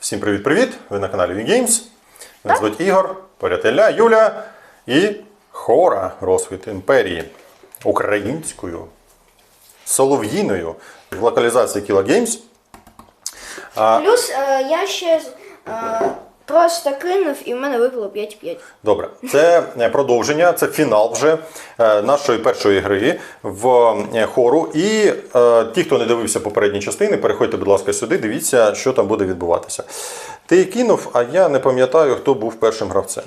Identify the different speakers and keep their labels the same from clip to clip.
Speaker 1: Всім привіт-привіт! Ви на каналі WinGames. Мене звуть Ігор, поряд Ілля, Юля і Хора Розквіт імперії українською, солов'їною в локалізації Killa Games.
Speaker 2: Плюс я ще просто кинув і в мене випало 5-5.
Speaker 1: Добре, це продовження, це фінал вже нашої першої гри в хору. І ті, хто не дивився попередні частини, переходьте, будь ласка, сюди, дивіться, що там буде відбуватися. Ти кинув, а я не пам'ятаю, хто був першим гравцем.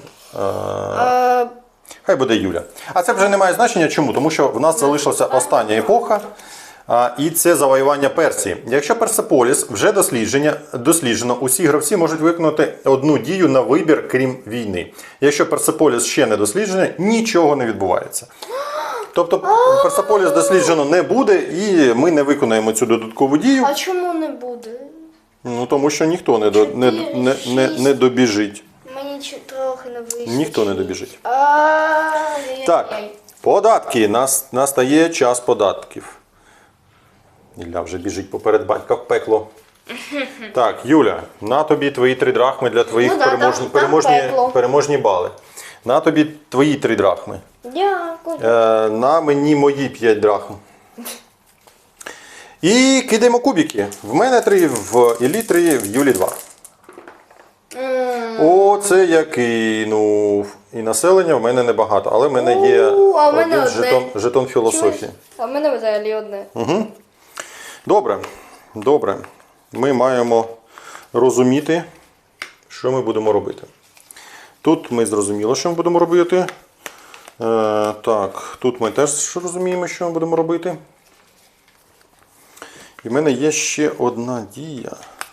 Speaker 1: Хай буде Юля. А це вже не має значення. Чому? Тому що в нас залишилася остання епоха. І це завоювання Персії. Якщо Персеполіс вже досліджено, усі гравці можуть виконати одну дію на вибір, крім війни. Якщо Персеполіс ще не досліджений, нічого не відбувається. Тобто Персеполіс досліджено не буде, і ми не виконаємо цю додаткову дію.
Speaker 2: А чому не буде?
Speaker 1: Ну, тому що ніхто не добіжить.
Speaker 2: Мені трохи не вийшло.
Speaker 1: Ніхто не добіжить. Так, податки. Настає час податків. Ілля вже біжить поперед батька в пекло. Так, Юля, на тобі твої 3 драхми для твоїх переможні бали. На тобі твої 3 драхми.
Speaker 2: Дякую.
Speaker 1: На мені мої 5 драхм. І кидаємо кубики. В мене 3, в Іллі 3, в Юлі 2. О, це я кинув. І населення в мене небагато, але в мене є жетон філософії.
Speaker 2: А в мене взагалі одне.
Speaker 1: Угу. Добре. Ми маємо розуміти, що ми будемо робити. Тут ми зрозуміли, що ми будемо робити. Так, тут ми теж розуміємо, що ми будемо робити. І в мене є ще одна дія.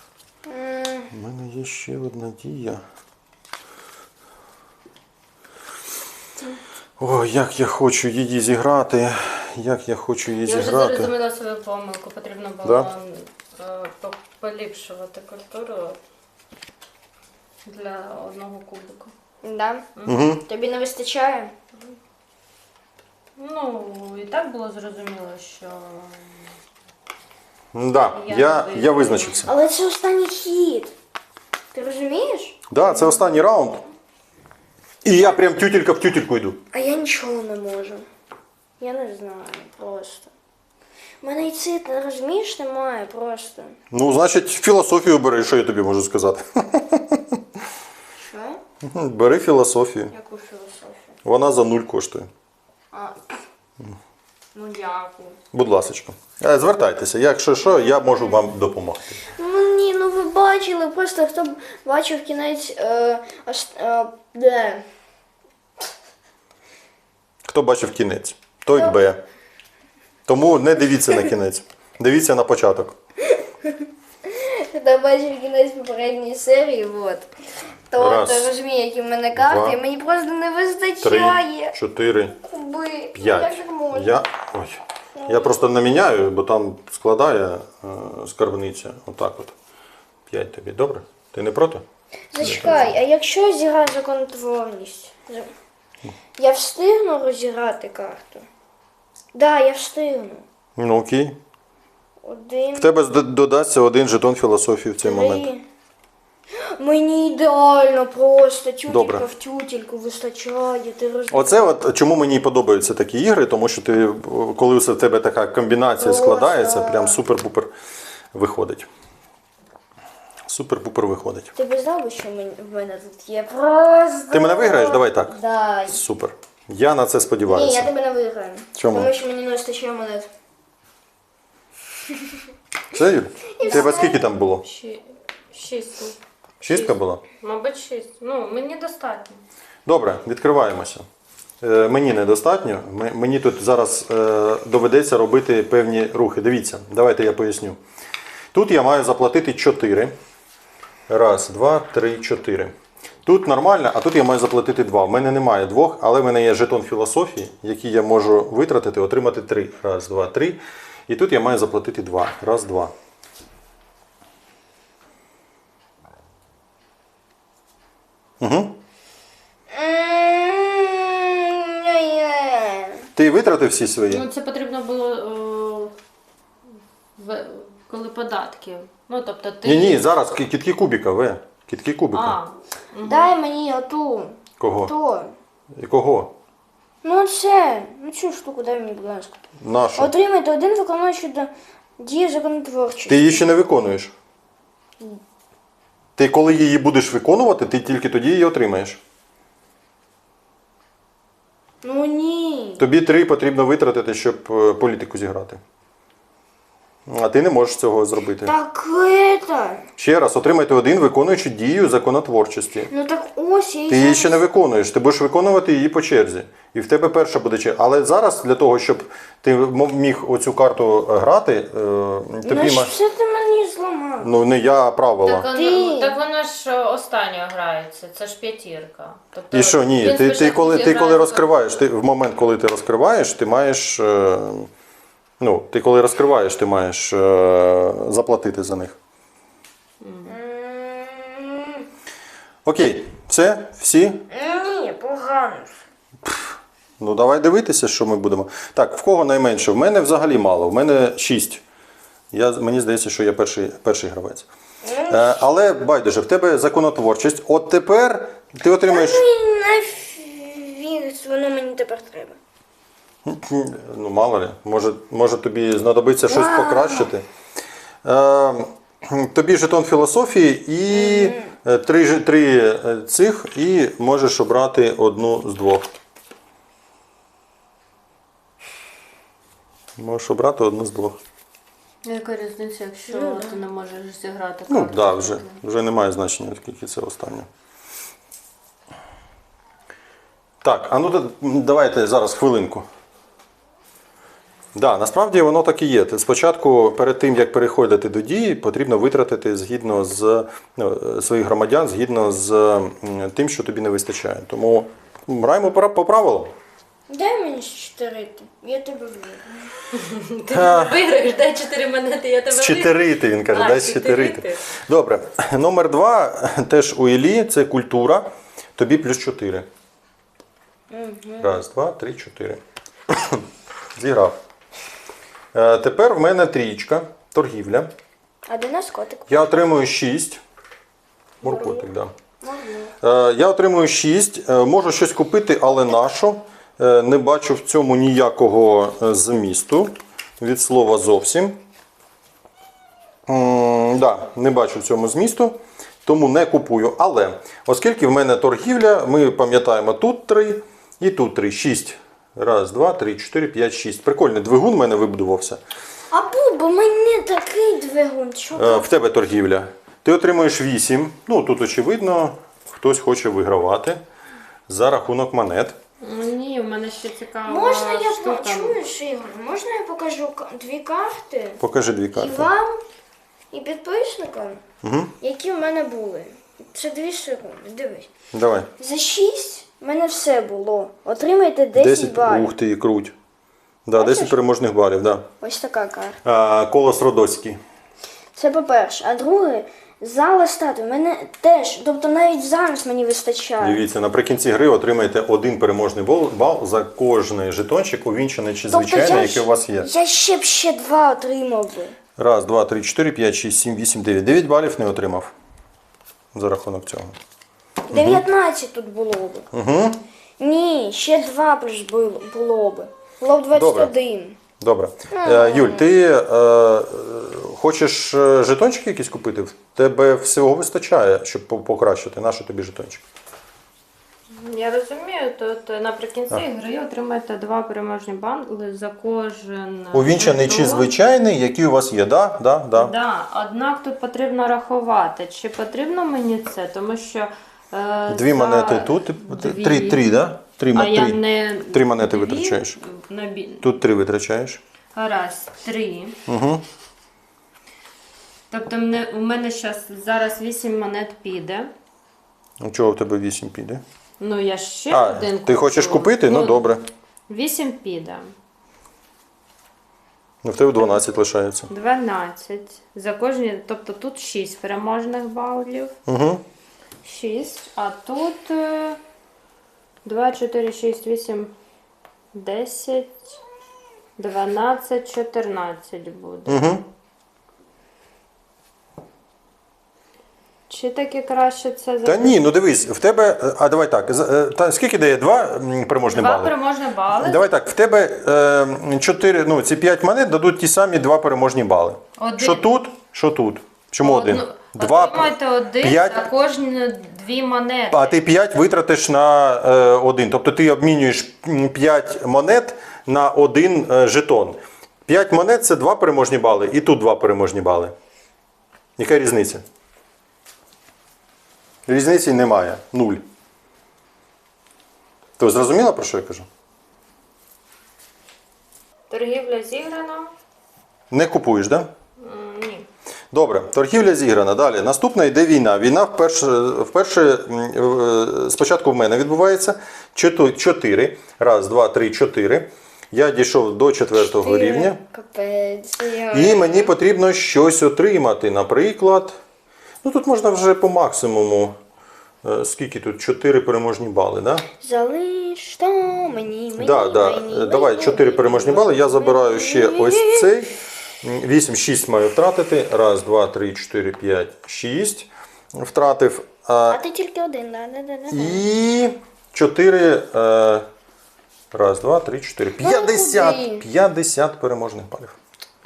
Speaker 1: Ой, як я хочу її зіграти. Я вже
Speaker 3: зрозуміла свою помилку. Потрібно було поліпшувати культуру для одного кубику.
Speaker 2: Да?
Speaker 1: Угу.
Speaker 2: Тобі не вистачає?
Speaker 3: Ну, і так було зрозуміло, що...
Speaker 1: Да, я визначився.
Speaker 2: Але це останній хід. Ти розумієш?
Speaker 1: Да, це останній раунд. І я прям тютелька в тютельку йду.
Speaker 2: А я нічого не можу. Я не знаю просто. У мене і цит, розумієш, немає просто.
Speaker 1: Ну, значить, філософію бери, що я тобі можу сказати.
Speaker 2: Що?
Speaker 1: Бери філософію.
Speaker 2: Яку філософію?
Speaker 1: Вона за 0 коштує.
Speaker 2: Ну, дякую.
Speaker 1: Будь ласочка. Звертайтеся, якщо що, я можу вам допомогти.
Speaker 2: Ні, ну ви бачили, просто хто бачив кінець... де?
Speaker 1: Хто бачив кінець, той Б. Тому не дивіться на кінець. Дивіться на початок.
Speaker 2: Хто бачив кінець попередньої серії, то розуміє, які в мене карти,
Speaker 1: 2,
Speaker 2: і мені просто не вистачає.
Speaker 1: 3, 4,
Speaker 2: Куби.
Speaker 1: 5.
Speaker 2: Як так можна?
Speaker 1: Я просто наміняю, бо там складає скарбниця. Отак от. 5 тобі. Добре? Ти не проти?
Speaker 2: Зачекай, а якщо зіграю законотворність? Я встигну розіграти карту? Да, я встигну.
Speaker 1: Ну окей.
Speaker 2: 1,
Speaker 1: В тебе додасться 1 жетон філософії в цей
Speaker 2: 3.
Speaker 1: момент.
Speaker 2: Мені ідеально просто.
Speaker 1: Добре.
Speaker 2: Тютелька в тютельку вистачає, ти розумієш?
Speaker 1: Оце от чому мені подобаються такі ігри, тому що ти, коли в тебе така комбінація складається, прям супер-пупер виходить. Супер-пупер виходить.
Speaker 2: Ти б знав, що в мене тут є просто...
Speaker 1: Ти мене виграєш? Давай так.
Speaker 2: Да.
Speaker 1: Супер. Я на це
Speaker 2: Ні,
Speaker 1: сподіваюся.
Speaker 2: я тебе не виграю.
Speaker 1: Чому?
Speaker 2: Тому що мені не вистачає монет.
Speaker 1: Все, Юль? У тебе скільки там було?
Speaker 3: 6.
Speaker 1: 6 була?
Speaker 3: Мабуть, 6. Ну, мені достатньо.
Speaker 1: Добре, відкриваємося. Мені недостатньо. Мені тут зараз доведеться робити певні рухи. Дивіться, давайте я поясню. Тут я маю заплатити 4. 1, 2, 3, 4. Тут нормально, а тут я маю заплатити 2. В мене немає 2, але в мене є жетон філософії, який я можу витратити, отримати 3. 1, 2, 3. І тут я маю заплатити 2. 1, 2. Угу. Ти витратив всі свої?
Speaker 3: Ну, це потрібно було коли податки. Ну, тобто ти...
Speaker 1: Ні, зараз кітки кубіка, Кітки кубіка.
Speaker 3: А,
Speaker 2: Дай мені оту.
Speaker 1: Кого?
Speaker 2: То.
Speaker 1: І кого?
Speaker 2: Ну це. Ну цю штуку дай мені, будь ласка.
Speaker 1: Нашу.
Speaker 2: Отримайте один виконуючий дію законотворчості.
Speaker 1: Ти її ще не виконуєш. Ти коли її будеш виконувати, ти тільки тоді її отримаєш.
Speaker 2: Ну ні.
Speaker 1: Тобі 3 потрібно витратити, щоб політику зіграти. А ти не можеш цього зробити.
Speaker 2: Так это.
Speaker 1: Ще раз, отримайте один виконуючи дію законотворчості.
Speaker 2: Ну так ось я і
Speaker 1: Ти її
Speaker 2: зараз-
Speaker 1: ще не виконуєш, ти будеш виконувати її по черзі. І в тебе перша буде черга. Але зараз для того, щоб ти міг оцю карту грати, тобі
Speaker 2: Ну що ти мені зламав?
Speaker 1: Ну не я, а правила.
Speaker 3: Так вона ж останньою грається, це ж п'ятірка. Тобто
Speaker 1: І що, ні,
Speaker 3: він
Speaker 1: ти
Speaker 3: спочатку
Speaker 1: коли
Speaker 3: зіграє
Speaker 1: розкриваєш, в момент, коли ти розкриваєш, ти маєш. Ти коли розкриваєш, ти маєш заплатити за них. Окей, все, всі?
Speaker 2: Ні, погано.
Speaker 1: Ну давай дивитися, що ми будемо. Так, в кого найменше? В мене взагалі мало, в мене 6. Мені здається, що я перший гравець. Але байдуже, в тебе законотворчість. От тепер ти отримаєш.
Speaker 2: Ну нафіг, воно мені тепер треба.
Speaker 1: Ну, мало ли, може тобі знадобиться щось покращити. Тобі жетон філософії і три цих, і можеш обрати одну з двох. Можеш обрати одну з двох.
Speaker 3: Яка різниця, якщо ти не можеш зіграти
Speaker 1: Ну,
Speaker 3: карту?
Speaker 1: так, вже немає значення, оскільки це останнє. Так, а ну давайте зараз хвилинку. Да, насправді воно так і є. Спочатку, перед тим, як переходити до дії, потрібно витратити згідно з своїх громадян, згідно з тим, що тобі не вистачає. Тому граємо по правилам.
Speaker 2: Дай мені 4, я тебе виграю.
Speaker 3: Ти виграєш, дай 4 монети, я тебе
Speaker 1: З 4, він каже, дай з 4. Добре. Номер 2, теж у Іллі, це культура. Тобі плюс 4. Раз, два, три, 4. Зіграв. Тепер в мене 3, торгівля.
Speaker 2: А де наш котик?
Speaker 1: Я отримую 6. Моркотик, так. Да. Я отримую 6. Можу щось купити, але на що? Не бачу в цьому ніякого змісту. Від слова зовсім. Да, не бачу в цьому змісту, тому не купую. Але, оскільки в мене торгівля, ми пам'ятаємо, тут 3 і тут 3. 6. Раз, два, три, 4, 5, 6. Прикольний двигун в мене вибудувався.
Speaker 2: А Буба, мені такий двигун. Що?
Speaker 1: В тебе торгівля. Ти отримуєш 8. Ну, тут очевидно, хтось хоче вигравати за рахунок монет.
Speaker 3: Ні, в мене ще цікава
Speaker 2: Можна я
Speaker 3: штука.
Speaker 2: чуєш, Ігор? Можна я покажу 2 карти?
Speaker 1: Покажи 2
Speaker 2: І
Speaker 1: карти.
Speaker 2: вам, і підписникам, які в мене були. Це 2 секунди, дивись.
Speaker 1: Давай.
Speaker 2: За 6 в мене все було. Отримайте 10 балів.
Speaker 1: Ух ти, круть. Да, 10 переможних балів, да.
Speaker 2: Ось така карта.
Speaker 1: Колос Родоцький.
Speaker 2: Це по-перше. А друге, зала статуй. В мене теж, тобто навіть зараз мені вистачає.
Speaker 1: Дивіться, наприкінці гри отримаєте 1 переможний бал за кожний жетончик, увінчений чи звичайний, який у вас є.
Speaker 2: Я ще 2 отримав би.
Speaker 1: Раз, два, три, 4, 5, 6, 7, 8, 9. 9 балів не отримав за рахунок цього.
Speaker 2: 19 тут було б.
Speaker 1: Угу.
Speaker 2: Ні, ще 2 плюс було б. Було б 21.
Speaker 1: Добре. Юль, ти хочеш жетончики якісь купити? В тебе всього вистачає, щоб покращити. Нащо тобі жетончик?
Speaker 3: Я розумію, тут наприкінці гри отримаєте 2 переможні бали за кожен
Speaker 1: Увінчений чи
Speaker 3: жетон.
Speaker 1: звичайний, який у вас є, да?
Speaker 3: Да, однак тут потрібно рахувати, чи потрібно мені це, тому що
Speaker 1: 2 монети тут, 3, да? 3 монети витрачаєш. Тут 3 витрачаєш.
Speaker 3: Раз, 3.
Speaker 1: Угу.
Speaker 3: Тобто у мене зараз 8 монет піде.
Speaker 1: Чого в тебе 8 піде?
Speaker 3: Ну, я ще один
Speaker 1: ти хочеш купити? Ну, добре.
Speaker 3: 8 піде.
Speaker 1: Ну, в тебе 12 лишається.
Speaker 3: 12. За кожні, тобто тут 6 переможних балів.
Speaker 1: Угу.
Speaker 3: 6. А тут 2, 4, 6, 8, 10, 12, 14 буде.
Speaker 1: Угу.
Speaker 3: Чи таки краще це
Speaker 1: Та ні, ну дивись, в тебе. А давай так. Скільки дає? Два переможні
Speaker 3: Два
Speaker 1: бали?
Speaker 3: переможні бали.
Speaker 1: Давай так, в тебе 4, ну, ці 5 монет дадуть ті самі 2 переможні бали.
Speaker 3: Один.
Speaker 1: Що тут, що тут. Чому один?
Speaker 3: Отримайте один
Speaker 1: 5.
Speaker 3: за кожні 2 монети.
Speaker 1: А ти 5 витратиш на 1. Тобто ти обмінюєш 5 монет на 1 жетон. 5 монет це 2 переможні бали, і тут 2 переможні бали. Яка різниця? Різниці немає. 0. То зрозуміла, про що я кажу?
Speaker 3: Торгівля зіграна.
Speaker 1: Не купуєш, так? Да?
Speaker 3: Ні.
Speaker 1: Добре, торгівля зіграна. Далі. Наступна йде війна. Війна вперше спочатку в мене відбувається 4. Раз, два, три, 4. Я дійшов до 4-го рівня.
Speaker 2: Капець.
Speaker 1: І мені потрібно щось отримати. Наприклад, ну тут можна вже по максимуму. Скільки тут? 4 переможні бали, да?
Speaker 2: Залиш то мені.
Speaker 1: Давай 4 переможні бали. Я забираю ще ось цей. 8, 6 маю втратити. Раз, два, три, 4, 5, 6. Втратив.
Speaker 2: А ти тільки один, да.
Speaker 1: І 4. Раз, два, три, 4. 50. 50 переможних балів.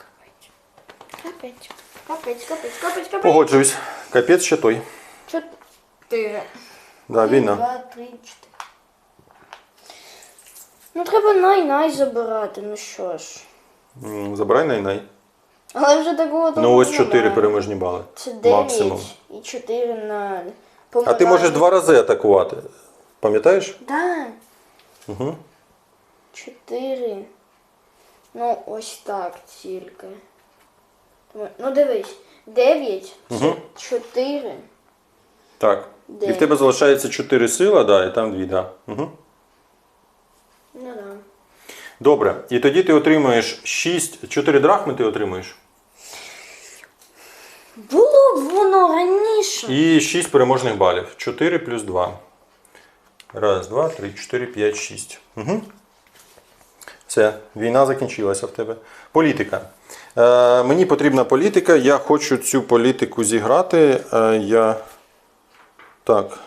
Speaker 2: Капець.
Speaker 1: Погоджуюсь. Капець ще той.
Speaker 2: 4.
Speaker 1: Да, війна.
Speaker 2: 2, 3, 4. Ну треба най забирати, ну що ж.
Speaker 1: Забирай най-най.
Speaker 2: Але вже такого
Speaker 1: Ну ось 4 переможні бали.
Speaker 2: Це 9
Speaker 1: Максимум.
Speaker 2: і 4 на...
Speaker 1: А ти можеш 2 рази атакувати. Пам'ятаєш?
Speaker 2: Да.
Speaker 1: Угу.
Speaker 2: 4. Ну, ось так тільки. Ну дивись. 9,
Speaker 1: Угу.
Speaker 2: 4.
Speaker 1: Так. І в
Speaker 2: 9.
Speaker 1: тебе залишається 4 сила, да, і там 2, да. Угу.
Speaker 2: Ну да.
Speaker 1: Добре. І тоді ти отримуєш 4 драхми ти отримуєш.
Speaker 2: Було б воно раніше.
Speaker 1: І 6 переможних балів. 4 плюс 2. Раз, два, три, 4, 5, 6. Угу. Все, війна закінчилася в тебе. Політика. Мені потрібна політика. Я хочу цю політику зіграти. Так.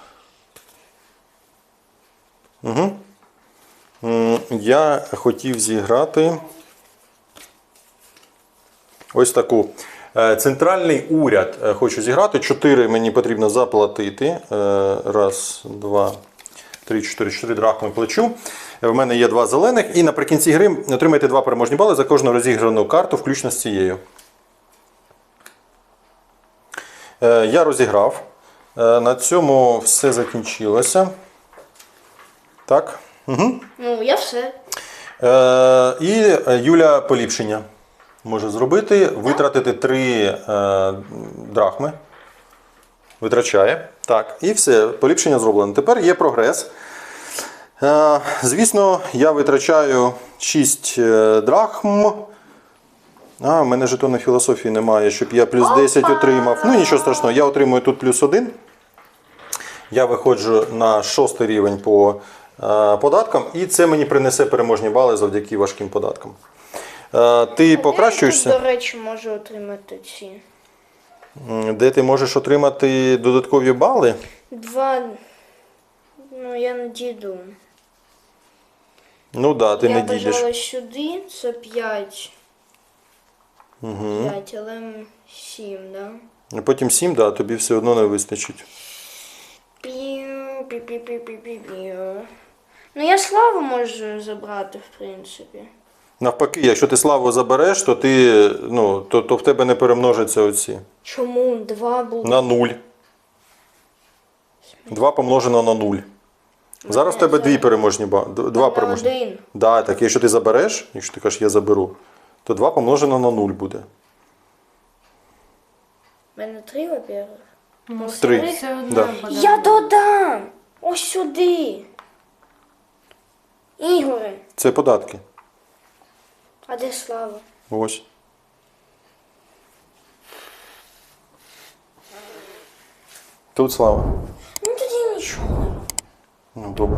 Speaker 1: Угу. Я хотів зіграти ось таку. Центральний уряд хочу зіграти. 4 мені потрібно заплатити. Раз, два, три, 4 драхми плачу. В мене є 2 зелених. І наприкінці гри отримайте 2 переможні бали за кожну розіграну карту, включно з цією. Я розіграв. На цьому все закінчилося. Так. Угу.
Speaker 2: Ну, я все.
Speaker 1: І Юля поліпшення може зробити. Витратити 3 драхми. Витрачає. Так. І все. Поліпшення зроблено. Тепер є прогрес. Звісно, я витрачаю 6 драхм. В мене жетону філософії немає, щоб я плюс 10 отримав. Ну, нічого страшного, я отримую тут плюс 1. Я виходжу на 6 рівень по податкам. І це мені принесе переможні бали завдяки важким податкам. Ти покращуєшся?
Speaker 2: Я, до речі, можу отримати ці.
Speaker 1: Де ти можеш отримати додаткові бали?
Speaker 2: 2. Ну, я не дійду.
Speaker 1: Ну так, да, ти
Speaker 2: я
Speaker 1: не дійдеш.
Speaker 2: бажала сюди, це 5.
Speaker 1: Угу.
Speaker 2: 5, але 7, да?
Speaker 1: Потім 7, да, тобі все одно не вистачить.
Speaker 2: Пів. Ну, я славу можу забрати, в принципі.
Speaker 1: Навпаки, якщо ти славу забереш, то то в тебе не перемножаться оці.
Speaker 2: Чому? 2 було.
Speaker 1: На 0. 2 помножено на 0. Зараз в тебе 2 переможні бали. 2 переможні.
Speaker 2: 1.
Speaker 1: Да, так, якщо ти забереш, якщо ти кажеш, я заберу, то 2 помножено на 0 буде.
Speaker 2: У мене 3, во-первых.
Speaker 3: Ну,
Speaker 1: 3.
Speaker 3: все одно
Speaker 1: Да.
Speaker 3: буде.
Speaker 2: Я додам! Ось сюди. Ігоре,
Speaker 1: Це податки.
Speaker 2: а де слава?
Speaker 1: Ось. Тут слава.
Speaker 2: Ну тоді нічого.
Speaker 1: Ну, добре.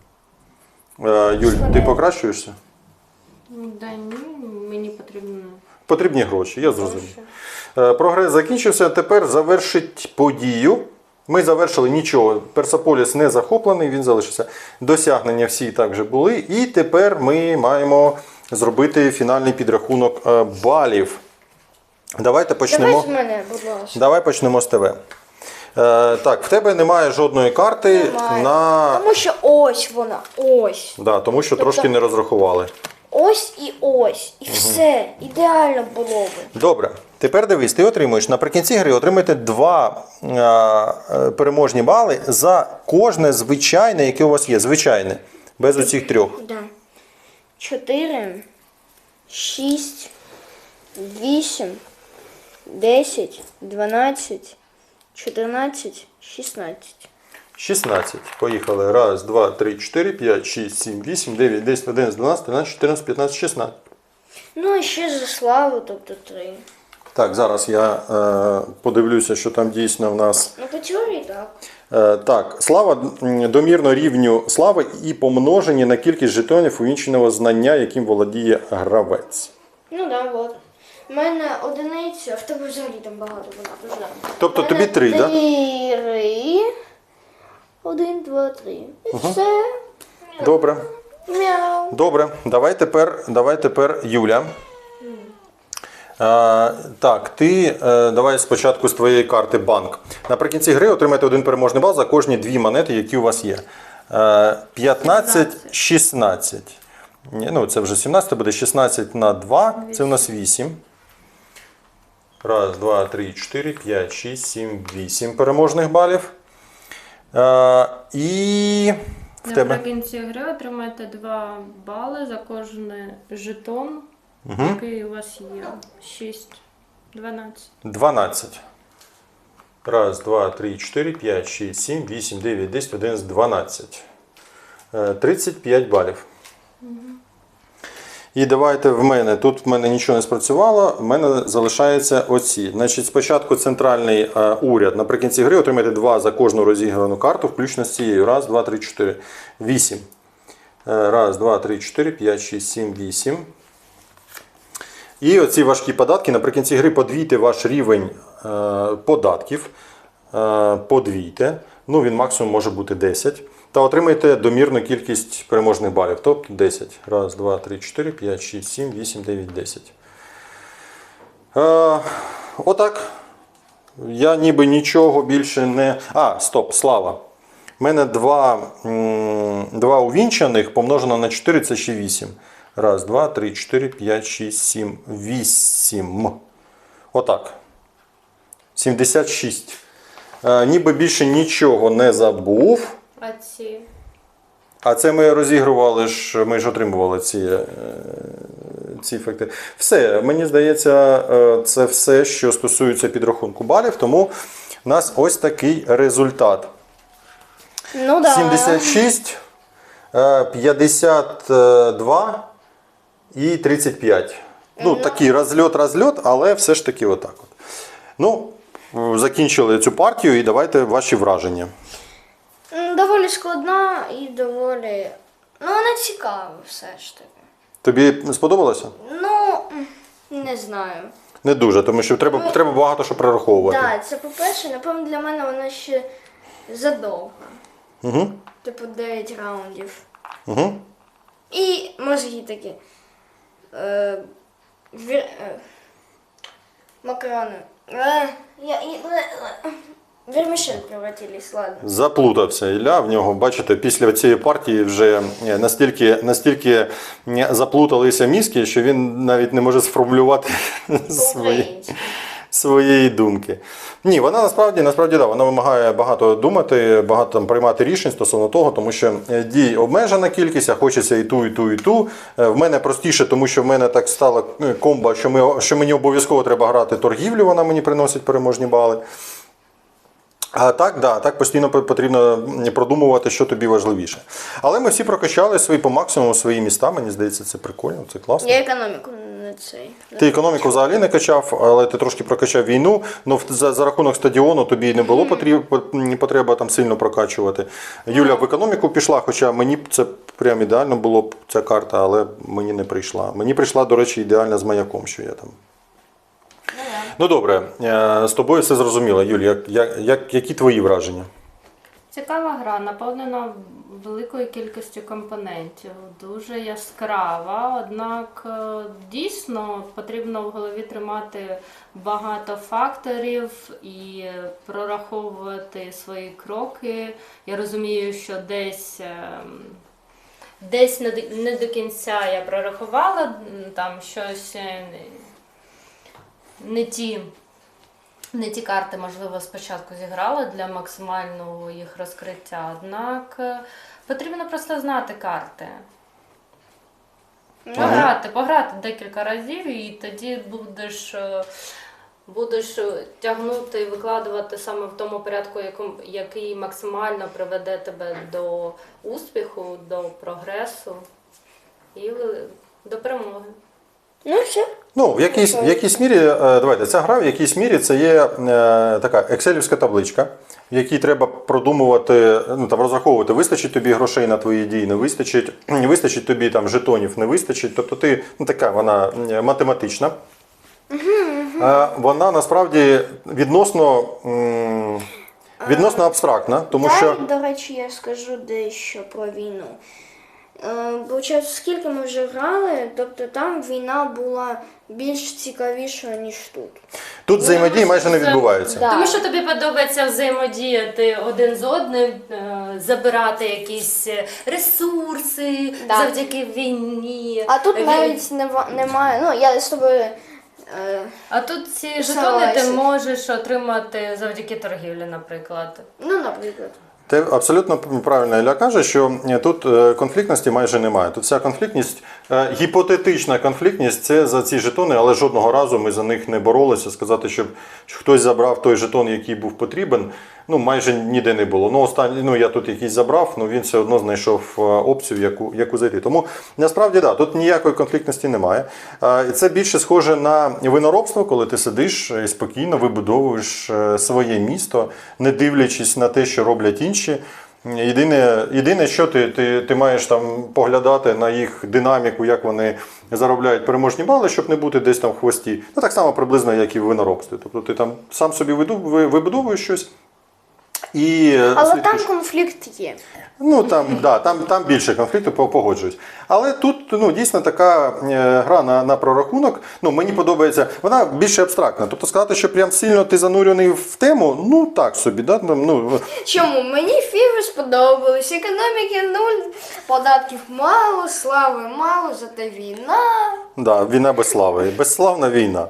Speaker 1: Юль, ти покращуєшся?
Speaker 3: Да ні, мені потрібно.
Speaker 1: Потрібні гроші, я зрозумів. Прогрес закінчився. Тепер завершить подію Ми завершили нічого. Персеполіс не захоплений, він залишився. Досягнення всі також були. І тепер ми маємо зробити фінальний підрахунок балів. Давайте почнемо.
Speaker 2: Давай з мене, будь ласка.
Speaker 1: Давай почнемо з тебе. Так, в тебе немає жодної карти
Speaker 2: Немає.
Speaker 1: на.
Speaker 2: Тому що ось вона, ось.
Speaker 1: Да, тому що
Speaker 2: Тобто-
Speaker 1: трошки не розрахували.
Speaker 2: Ось і ось. І все. Ідеально було би.
Speaker 1: Добре, тепер дивись, ти отримуєш наприкінці гри отримаєте 2 переможні бали за кожне звичайне, яке у вас є. Звичайне. Без оцих 3.
Speaker 2: Да. 4, 6, 8, 10, 12, 14, 16.
Speaker 1: 16. Поїхали. 1, 2, 3, 4, 5, 6, 7, 8, 9, 10, 11, 12, 13, 14, 15, 16.
Speaker 2: Ну і ще за славу, тобто 3.
Speaker 1: Так, зараз я подивлюся, що там дійсно в нас.
Speaker 2: Ну, по теорії так.
Speaker 1: Так, слава домірно рівню слави і помножені на кількість жетонів увінченого знання, яким володіє гравець.
Speaker 2: Ну так, да, от. У мене одиниця, а в тебе взагалі там багато було.
Speaker 1: Тобто тобі 3, так?
Speaker 2: 3. 1, 2, 3. І все.
Speaker 1: Добре.
Speaker 2: Мяу.
Speaker 1: Добре, давай тепер Юля. Так, ти давай спочатку з твоєї карти банк. Наприкінці гри отримаєте 1 переможний бал за кожні 2 монети, які у вас є. 15, 16. Ну, це вже 17 буде. 16 на 2, це у нас 8. 1, 2, 3, 4, 5, 6, 7, 8 переможних балів. І в тебе.
Speaker 3: Наприкінці гри отримаєте 2 бали за кожен жетон, який у вас є. 6, 12.
Speaker 1: 12. 1, 2, 3, 4, 5, 6, 7, 8, 9, 10, 11, 12. 35 балів. І давайте в мене. Тут в мене нічого не спрацювало, в мене залишаються оці. Значить, спочатку центральний уряд. Наприкінці гри отримаєте 2 за кожну розіграну карту, включно з цією. 1, 2, 3, 4. 8. 1, 2, 3, 4, 5, 6, 7, 8. І оці важкі податки. Наприкінці гри подвійте ваш рівень податків. Подвійте. Ну, він максимум може бути 10. Та отримаєте домірну кількість переможних балів. Тобто 10. 1, 2, 3, 4, 5, 6, 7, 8, 9, 10. Отак. Я ніби нічого більше не. Стоп, слава. У мене 2 увінчаних помножено на 4 це ще 8. 1, 2, 3, 4, 5, 6, 7, 8. Отак. 76. Ніби більше нічого не забув.
Speaker 3: А ці?
Speaker 1: А це ми розігрували ми ж отримували ці ефекти. Все, мені здається, це все, що стосується підрахунку балів, тому у нас ось такий результат.
Speaker 2: Ну да.
Speaker 1: 76, 52 і 35. Ну, такий розльот, але все ж таки отак от. Ну, закінчили цю партію і давайте ваші враження.
Speaker 2: Доволі складна і доволі. Ну, вона цікава все ж таки.
Speaker 1: Тобі сподобалося?
Speaker 2: Ну, не знаю.
Speaker 1: Не дуже, тому що треба багато що прораховувати.
Speaker 2: Так, це по-перше, напевно, для мене вона ще задовга.
Speaker 1: Угу.
Speaker 2: Типу 9 раундів.
Speaker 1: Угу.
Speaker 2: І мозги такі. Макарони. Вермішель превратились, ладно.
Speaker 1: Заплутався Ілля в нього. Бачите, після цієї партії вже настільки заплуталися мізки, що він навіть не може сформулювати своєї думки. Ні, вона насправді да, вона вимагає багато думати, багато там приймати рішень стосовно того, тому що дій обмежена кількість, а хочеться і ту, і ту, і ту. В мене простіше, тому що в мене так стала комба, що мені обов'язково треба грати торгівлю, вона мені приносить переможні бали. А так постійно потрібно продумувати, що тобі важливіше. Але ми всі прокачали по максимуму свої міста, мені здається, це прикольно, це класно.
Speaker 2: Я економіку не цей.
Speaker 1: Ти економіку взагалі не качав, але ти трошки прокачав війну, але за рахунок стадіону тобі не було потреба там сильно прокачувати. Юля в економіку пішла, хоча мені це прям ідеально було б ця карта, але мені не прийшла. Мені прийшла, до речі, ідеально з маяком, що я там. Ну добре, з тобою все зрозуміло. Юль, які твої враження?
Speaker 3: Цікава гра, наповнена великою кількістю компонентів, дуже яскрава, однак дійсно потрібно в голові тримати багато факторів і прораховувати свої кроки. Я розумію, що десь не до кінця я прорахувала, там щось не ті карти, можливо, спочатку зіграла для максимального їх розкриття, однак потрібно просто знати карти. Пограти декілька разів і тоді будеш тягнути і викладувати саме в тому порядку, який максимально приведе тебе до успіху, до прогресу і до перемоги.
Speaker 2: Ну, все.
Speaker 1: Ну, в якійсь мірі, давайте, ця гра в якійсь мірі це є така екселівська табличка, в якій треба продумувати, ну, там, розраховувати, вистачить тобі грошей на твої дії, не вистачить тобі там житонів, не вистачить. Тобто ти, ну, така вона математична. Вона насправді відносно абстрактна, тому що...
Speaker 2: До речі, я скажу дещо про війну. Получається, скільки ми вже грали, тобто там війна була більш цікавішою, ніж тут.
Speaker 1: Тут взаємодії майже не відбувається.
Speaker 2: Да.
Speaker 3: Тому що тобі подобається взаємодіяти один з одним, забирати якісь ресурси завдяки війні.
Speaker 2: А тут навіть немає, ну я з тобою...
Speaker 3: А тут ці жетони ти можеш отримати завдяки торгівлі, наприклад.
Speaker 2: Ну, наприклад.
Speaker 1: Ти абсолютно правильно Ілля каже, що тут конфліктності майже немає. Тут вся конфліктність, гіпотетична конфліктність, це за ці жетони, але жодного разу ми за них не боролися. Сказати, щоб хтось забрав той жетон, який був потрібен, ну майже ніде не було. Ну, я тут якийсь забрав, ну він все одно знайшов опцію, яку зайти. Тому насправді, да, тут ніякої конфліктності немає. Це більше схоже на виноробство, коли ти сидиш і спокійно вибудовуєш своє місто, не дивлячись на те, що роблять інші. Єдине, що ти маєш там поглядати на їх динаміку, як вони заробляють переможні бали, щоб не бути десь там в хвості. Ну, так само приблизно, як і в виноробстві. Тобто ти там сам собі вибудовуєш щось.
Speaker 2: Але там конфлікт є.
Speaker 1: Ну, там більше конфлікту, погоджуюсь. Але тут дійсно така гра на прорахунок, мені подобається, вона більше абстрактна. Тобто сказати, що прям сильно ти занурений в тему, ну так собі. Да?
Speaker 2: Чому? Мені фіви сподобались, економіки нуль, податків мало, слави мало, зате війна.
Speaker 1: Да, війна без слави, безславна війна.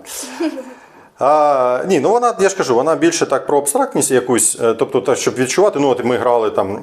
Speaker 1: Ні, вона, я ж кажу, вона більше так про абстрактність якусь, тобто так, щоб відчувати, от ми грали там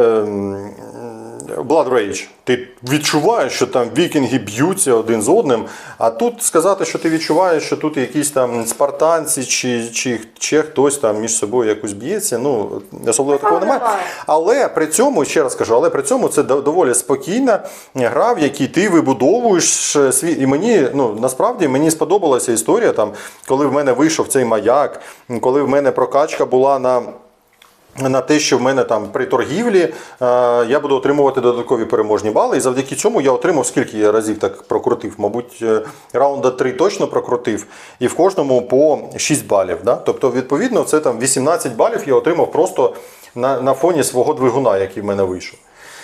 Speaker 1: Blood Rage, ти відчуваєш, що там вікінги б'ються один з одним, а тут сказати, що ти відчуваєш, що тут якісь там спартанці чи хтось там між собою якось б'ється, особливо такого немає. Але при цьому, ще раз кажу, це доволі спокійна гра, в якій ти вибудовуєш свій, і мені, насправді, мені сподобалася історія, там, коли в мене вийшов цей маяк, коли в мене прокачка була на те, що в мене там при торгівлі я буду отримувати додаткові переможні бали. І завдяки цьому я отримав, скільки я разів так прокрутив, мабуть, раунда 3 точно прокрутив, і в кожному по 6 балів. Да? Тобто, відповідно, це там 18 балів я отримав просто на фоні свого двигуна, який в мене вийшов.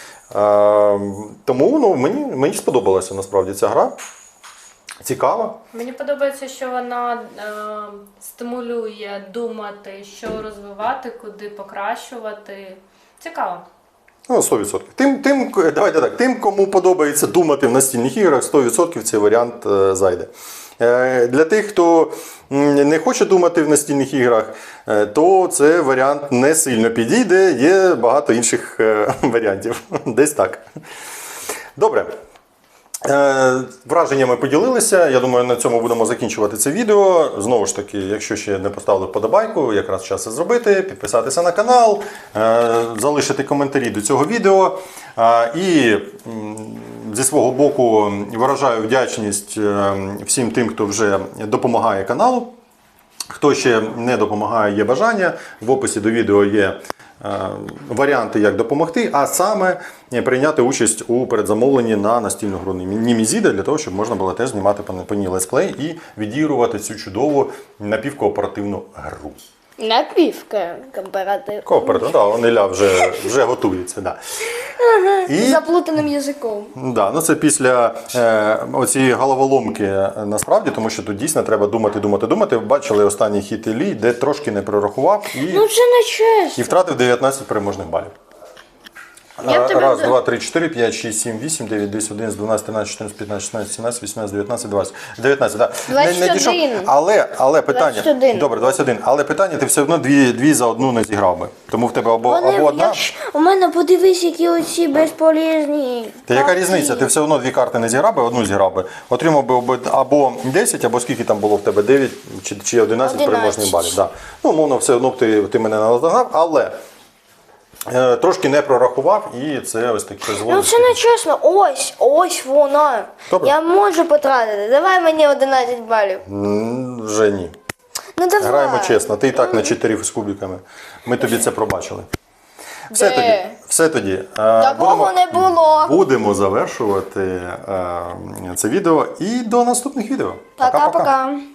Speaker 1: Тому мені сподобалася насправді ця гра. Цікаво.
Speaker 3: Мені подобається, що вона стимулює думати, що розвивати, куди покращувати. Цікаво.
Speaker 1: 100%. Давайте так, тим, кому подобається думати в настільних іграх, 100% цей варіант зайде. Для тих, хто не хоче думати в настільних іграх, то цей варіант не сильно підійде, є багато інших варіантів. Десь так. Добре. Враженнями поділилися. Я думаю, на цьому будемо закінчувати це відео. Знову ж таки, якщо ще не поставили вподобайку, якраз час це зробити, підписатися на канал, залишити коментарі до цього відео. І зі свого боку виражаю вдячність всім тим, хто вже допомагає каналу. Хто ще не допомагає, є бажання. В описі до відео є варіанти, як допомогти, а саме прийняти участь у передзамовленні на настільну гру Німізіда, для того, щоб можна було теж знімати по ній летсплей і відігрувати цю чудову напівкооперативну гру.
Speaker 2: Напівка кооператив.
Speaker 1: Кооперативно, да, Неля вже готується. Да. І,
Speaker 2: Заплутаним язиком.
Speaker 1: да, ну це після оцієї головоломки насправді, тому що тут дійсно треба думати. Ви бачили останній хід Іллі, де трошки не прорахував
Speaker 2: Ну це не чесно.
Speaker 1: і втратив 19 переможних балів.
Speaker 2: Я б тебе
Speaker 1: Раз,
Speaker 2: за-
Speaker 1: два, три, 4, 5, 6, 7, 8, 9, 10, 11, 12, 13, 14, 15, 16, 17, 18, 19, 20. 19, так.
Speaker 2: 21.
Speaker 1: Але питання.
Speaker 2: 21.
Speaker 1: Добре, 21. Але питання ти все одно дві за одну не зіграв би. Тому в тебе або одна.
Speaker 2: У мене подивись, які оці безполезні.
Speaker 1: Та яка
Speaker 2: карти.
Speaker 1: різниця? Ти все одно дві карти не зіграв би, одну зіграв би. Отримав би або 10, або скільки там було в тебе, 9 чи 11 переможних балів. Да. Ну, умовно, все одно б ти мене не наздогнав, але трошки не прорахував і це ось таке
Speaker 2: Ну
Speaker 1: зводить.
Speaker 2: це не чесно. Ось вона.
Speaker 1: Добре.
Speaker 2: Я можу потратити. Давай мені 11 балів.
Speaker 1: Вже ні.
Speaker 2: Ну давай.
Speaker 1: Граємо чесно, ти і так на 4 з кубиками. Ми тобі це пробачили.
Speaker 2: Де?
Speaker 1: Все тоді.
Speaker 2: Такого не було.
Speaker 1: Будемо завершувати це відео і до наступних відео. Пока-пока.
Speaker 2: Пока-пока.